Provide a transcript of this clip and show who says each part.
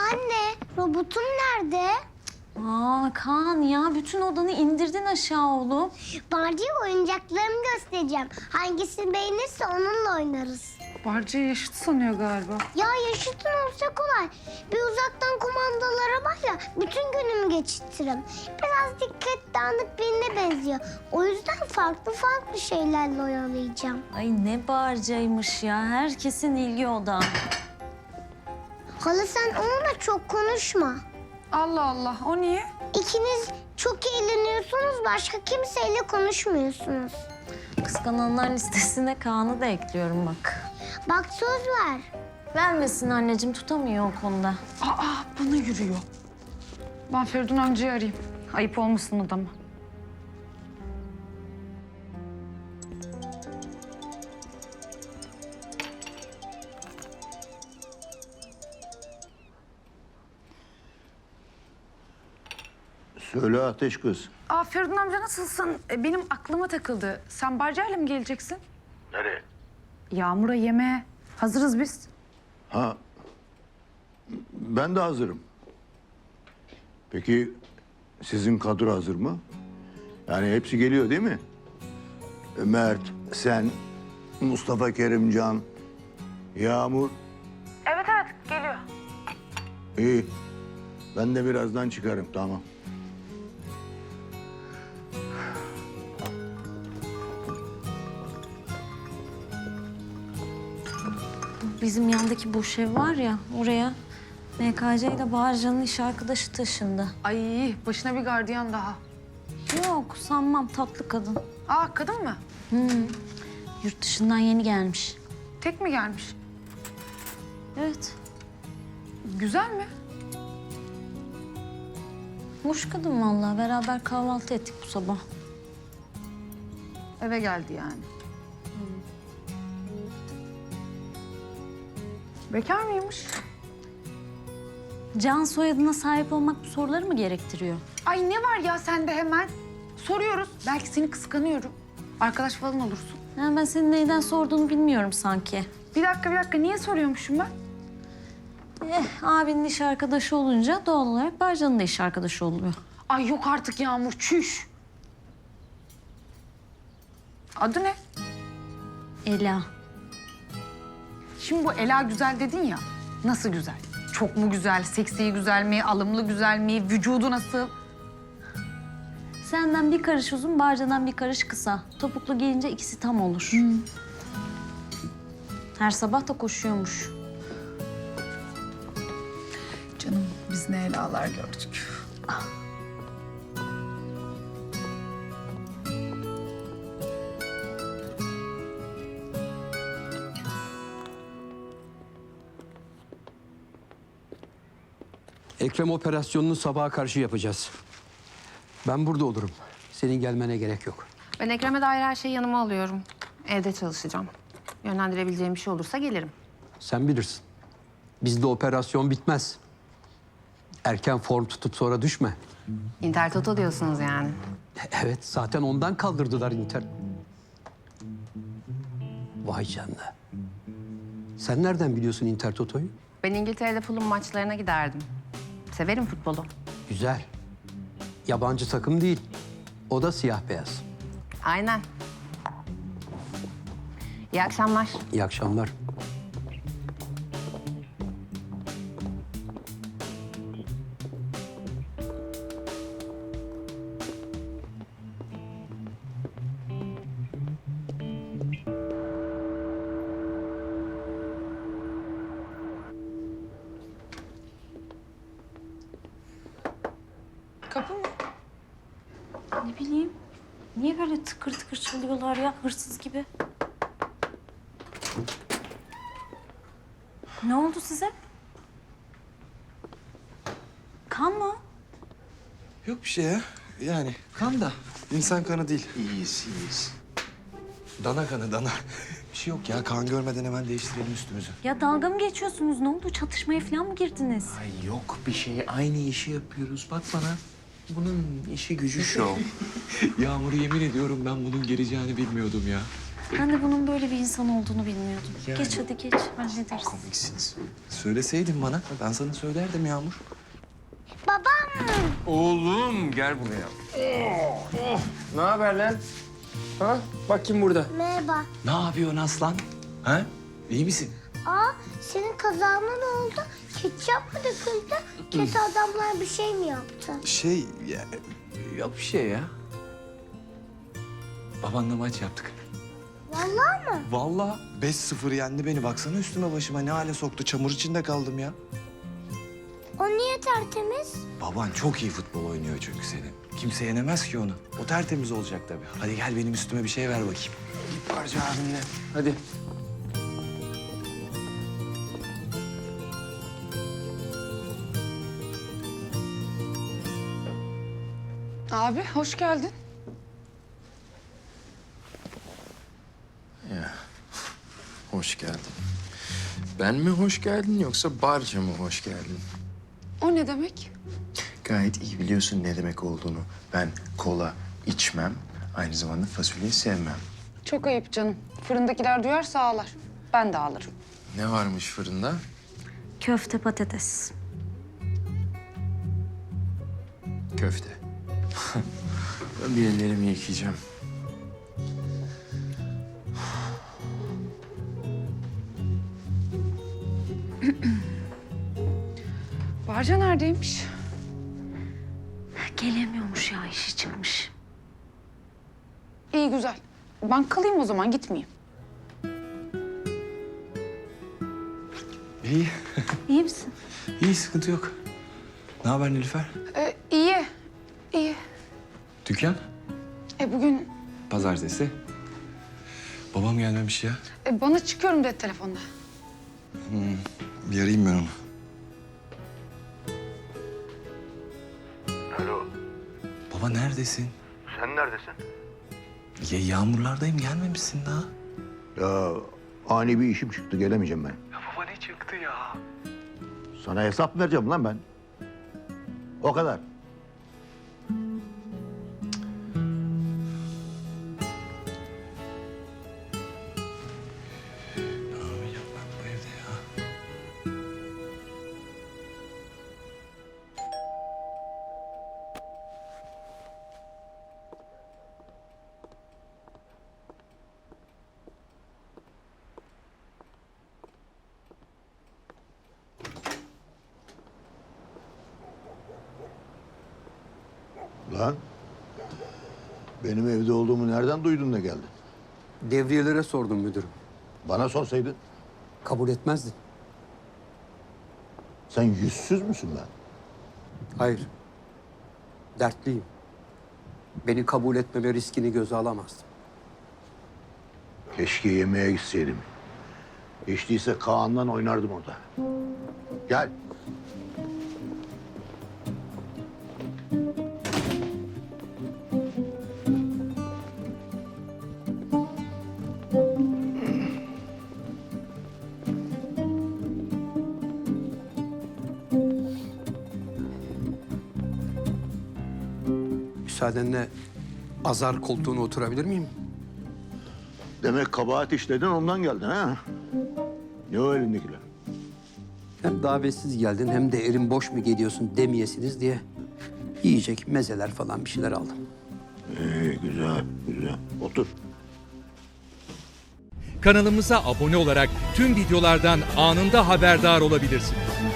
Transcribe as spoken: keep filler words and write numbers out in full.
Speaker 1: Anne, robotum nerede?
Speaker 2: Aa Kaan ya bütün odanı indirdin aşağı oğlum.
Speaker 1: Barcı'ya oyuncaklarımı göstereceğim. Hangisini beğenirse onunla oynarız.
Speaker 3: Barca'yı yaşıt sanıyor galiba.
Speaker 1: Ya yaşıtın olsa kolay. Bir uzaktan kumandalara bak ya bütün günümü geçirtirim. Biraz dikkat dağınık birine benziyor. O yüzden farklı farklı şeylerle oyalayacağım.
Speaker 2: Ay ne bağırcaymış ya. Herkesin ilgi odağı.
Speaker 1: Hala sen onunla çok konuşma.
Speaker 3: Allah Allah, o niye?
Speaker 1: İkiniz çok eğleniyorsunuz, başka kimseyle konuşmuyorsunuz.
Speaker 2: Kıskananlar listesine Kaan'ı da ekliyorum bak.
Speaker 1: Bak söz ver.
Speaker 2: Vermesin anneciğim, tutamıyor o konuda.
Speaker 3: Aa, bana yürüyor. Ben Feridun amcayı arayayım. Ayıp olmasın adama.
Speaker 4: Söyle Ateş kız.
Speaker 3: Aa, Feridun amca nasılsın? E, benim aklıma takıldı. Sen Barca'yla mı geleceksin?
Speaker 4: Nereye?
Speaker 3: Yağmur'a yemeğe. Hazırız biz.
Speaker 4: Ha, ben de hazırım. Peki sizin kadro hazır mı? Yani hepsi geliyor değil mi? Mert, sen, Mustafa Kerimcan, Yağmur.
Speaker 3: Evet evet, geliyor.
Speaker 4: İyi. Ben de birazdan çıkarım, tamam.
Speaker 2: Bizim yandaki boş ev var ya, oraya M K C ile Bağırcan'ın iş arkadaşı taşındı.
Speaker 3: Ay, başına bir gardiyan daha.
Speaker 2: Yok sanmam, tatlı kadın.
Speaker 3: Aa, kadın mı?
Speaker 2: Yurt dışından yeni gelmiş.
Speaker 3: Tek mi gelmiş?
Speaker 2: Evet,
Speaker 3: Güzel mi?
Speaker 2: hoş kadın vallahi. Beraber kahvaltı ettik bu sabah.
Speaker 3: Eve geldi yani. Bekar mıymış?
Speaker 2: Can soyadına sahip olmak bu soruları mı gerektiriyor?
Speaker 3: Ay ne var ya sende hemen? Soruyoruz. Belki seni kıskanıyorum. Arkadaş falan olursun.
Speaker 2: Yani ben senin neyden sorduğunu bilmiyorum sanki.
Speaker 3: Bir dakika bir dakika niye soruyormuşum ben?
Speaker 2: Eh, abinin iş arkadaşı olunca doğal olarak Bağırcan'ın da iş arkadaşı oluyor.
Speaker 3: Ay yok artık Yağmur, çüş. Adı ne?
Speaker 2: Ela.
Speaker 3: Şimdi bu Ela güzel dedin ya. Nasıl güzel? Çok mu güzel? Seksi güzel mi? Alımlı güzel mi? Vücudu nasıl?
Speaker 2: Senden bir karış uzun, Bağırcan'dan bir karış kısa. Topuklu giyince ikisi tam olur. Her sabah da koşuyormuş.
Speaker 3: Canım biz ne Ela'lar gördük.
Speaker 5: Ekrem operasyonunu sabaha karşı yapacağız. Ben burada olurum. Senin gelmene gerek yok.
Speaker 6: Ben Ekrem'e dair her şeyi yanıma alıyorum. Evde çalışacağım. Yönlendirebileceğim bir şey olursa gelirim.
Speaker 5: Sen bilirsin. Bizde operasyon bitmez. Erken form tutup sonra düşme.
Speaker 6: Inter Toto diyorsunuz yani.
Speaker 5: Evet, zaten ondan kaldırdılar Inter. Vay canına. Sen nereden biliyorsun Inter Toto'yu?
Speaker 6: Ben İngiltere'de Fulham maçlarına giderdim. Severim futbolu.
Speaker 5: Güzel. Yabancı takım değil. O da siyah beyaz.
Speaker 6: Aynen. İyi akşamlar.
Speaker 5: İyi akşamlar.
Speaker 3: Kapı mı?
Speaker 2: Ne bileyim. Niye böyle tıkır tıkır çalıyorlar ya, hırsız gibi? Ne oldu size? Kan mı?
Speaker 7: Yok bir şey ya. Yani kan da insan kanı değil. İyiyiz, iyiyiz. Dana kanı, dana. Bir şey yok ya. Kan görmeden hemen değiştirelim üstümüzü.
Speaker 2: Ya dalga mı geçiyorsunuz? Ne oldu? Çatışmaya falan mı girdiniz?
Speaker 7: Ay yok bir şey. Aynı işi yapıyoruz. Bak bana. Bunun işi gücü şov. Yağmur'u yemin ediyorum ben bunun geleceğini bilmiyordum ya.
Speaker 2: Ben de bunun böyle bir insan olduğunu bilmiyordum.
Speaker 7: Yani.
Speaker 2: Geç hadi geç, hallederiz.
Speaker 7: Komiksiniz. Söyleseydin bana. Ben sana söylerdim Yağmur.
Speaker 1: Babam.
Speaker 8: Oğlum gel buraya. Oh, oh. Ne haber lan? Ha? Bak kim burada.
Speaker 1: Merhaba.
Speaker 7: Ne yapıyorsun aslan? Ha? İyi misin?
Speaker 1: Aa, senin kazağına ne oldu? Ketçap mı döküldü? Kötü adamlar bir şey mi yaptı?
Speaker 7: Şey, ya, yok bir şey ya. Babanla maç yaptık.
Speaker 1: Vallahi mı?
Speaker 7: Vallahi beş sıfır yendi beni. Baksana üstüme başıma ne hale soktu. Çamur içinde kaldım ya.
Speaker 1: O niye tertemiz?
Speaker 7: Baban çok iyi futbol oynuyor çünkü senin. Kimse yenemez ki onu. O tertemiz olacak tabii. Hadi gel benim üstüme bir şey ver bakayım.
Speaker 8: Bir parça abinle. Hadi.
Speaker 6: Abi hoş geldin.
Speaker 8: Ya. Hoş geldin. Ben mi hoş geldin yoksa barca mı hoş geldin?
Speaker 6: O ne demek?
Speaker 8: Gayet iyi biliyorsun ne demek olduğunu. Ben kola içmem, aynı zamanda fasulyeyi sevmem.
Speaker 6: Çok ayıp canım. Fırındakiler duyarsa ağlar. Ben de ağlarım.
Speaker 8: Ne varmış fırında?
Speaker 2: Köfte patates.
Speaker 8: Köfte. Ben bir ellerimi yıkayacağım.
Speaker 6: Barca neredeymiş?
Speaker 2: Gelemiyormuş ya, işi çıkmış.
Speaker 6: İyi güzel. Ben kalayım o zaman gitmeyeyim.
Speaker 7: İyi.
Speaker 2: İyi misin?
Speaker 7: İyi, sıkıntı yok. Ne haber Nilüfer?
Speaker 6: Ee, iyi. İyi.
Speaker 7: Dükkan?
Speaker 6: E bugün
Speaker 7: Pazartesi. Babam gelmemiş ya.
Speaker 6: e, bana çıkıyorum dedi telefonda.
Speaker 7: Bir arayayım ben onu.
Speaker 4: Alo,
Speaker 7: Baba neredesin?
Speaker 4: sen neredesin?
Speaker 7: Ya yağmurlardayım, gelmemişsin daha.
Speaker 4: Ya ani bir işim çıktı, gelemeyeceğim ben.
Speaker 7: Ya baba ne çıktı ya?
Speaker 4: Sana hesap vereceğim lan ben. O kadar.
Speaker 7: Ne yapacağım ben bu evde ya?
Speaker 4: Lan, benim evde olduğumu nereden duydun da geldin?
Speaker 5: Devriyelere sordum müdürüm.
Speaker 4: Bana sorsaydın.
Speaker 5: Kabul etmezdin.
Speaker 4: Sen yüzsüz müsün lan?
Speaker 5: Hayır. Dertliyim. Beni kabul etmeme riskini göze alamazdım.
Speaker 4: Keşke yemeğe gitseydim. Hiç değilse Kaan'la oynardım orada. Gel.
Speaker 5: Müsaadenle azar koltuğuna oturabilir miyim?
Speaker 4: Demek kabahat işledin ondan geldin ha? Ne o elindekiler?
Speaker 5: Hem davetsiz geldin hem de erin boş mu geliyorsun demeyesiniz diye yiyecek mezeler falan bir şeyler aldım.
Speaker 4: İyi, güzel, güzel. Otur.
Speaker 9: Kanalımıza abone olarak tüm videolardan anında haberdar olabilirsiniz.